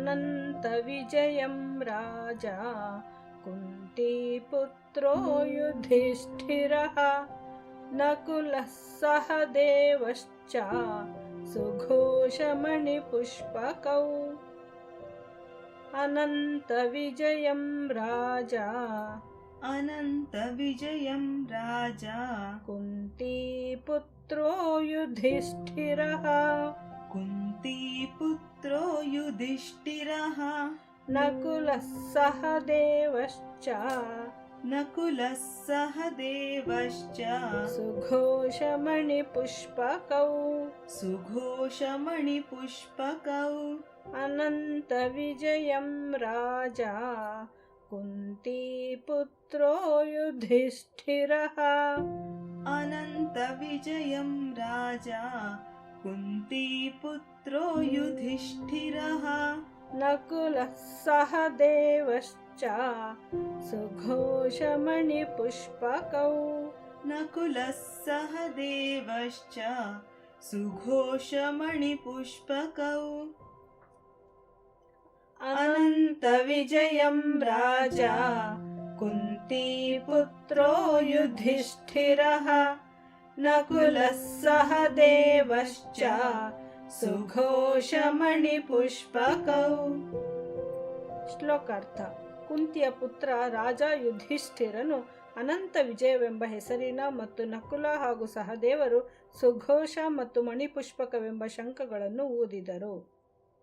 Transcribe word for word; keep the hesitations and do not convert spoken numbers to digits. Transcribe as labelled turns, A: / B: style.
A: अनन्तविजयं राजा कुन्तीपुत्रो युधिष्ठिरः नकुलः सहदेवश्च सुघोषमणिपुष्पकौ। अनन्तविजयं राजा
B: अनन्तविजयं राजा
A: कुन्तीपुत्रो युधिष्ठिरः
B: कुन्तीपुत्रो युधिष्ठिरः
A: नकुलः सहदेवश्च
B: नकुलः सहदेवश्च
A: सुघोषमणिपुष्पकौ
B: सुघोषमणिपुष्पकौ।
A: अनन्तविजयं राजा कुन्तीपुत्रो युधिष्ठिरः
B: अनन्तविजयं राजा कुन्तीपुत्रो युधिष्ठिरः
A: नकुलः सहदेवश्च सुघोषमणिपुष्पकौ।
B: नकुलः सहदेवश्च सुघोषमणिपुष्पकौ।
A: अनन्तविजयं राजा कुन्तीपुत्रो युधिष्ठिरः नकुलः सहदेवश्च ಸುಘೋಷಮಣಿಪುಷ್ಪಕೌ. ಶ್ಲೋಕಾರ್ಥ. ಕುಂತಿಯ ಪುತ್ರ ರಾಜ ಯುಧಿಷ್ಠಿರನು ಅನಂತ ವಿಜಯವೆಂಬ ಹೆಸರಿನ ಮತ್ತು ನಕುಲ ಹಾಗೂ ಸಹದೇವರು ಸುಘೋಷ ಮತ್ತು ಮಣಿಪುಷ್ಪಕವೆಂಬ ಶಂಖಗಳನ್ನು ಊದಿದರು.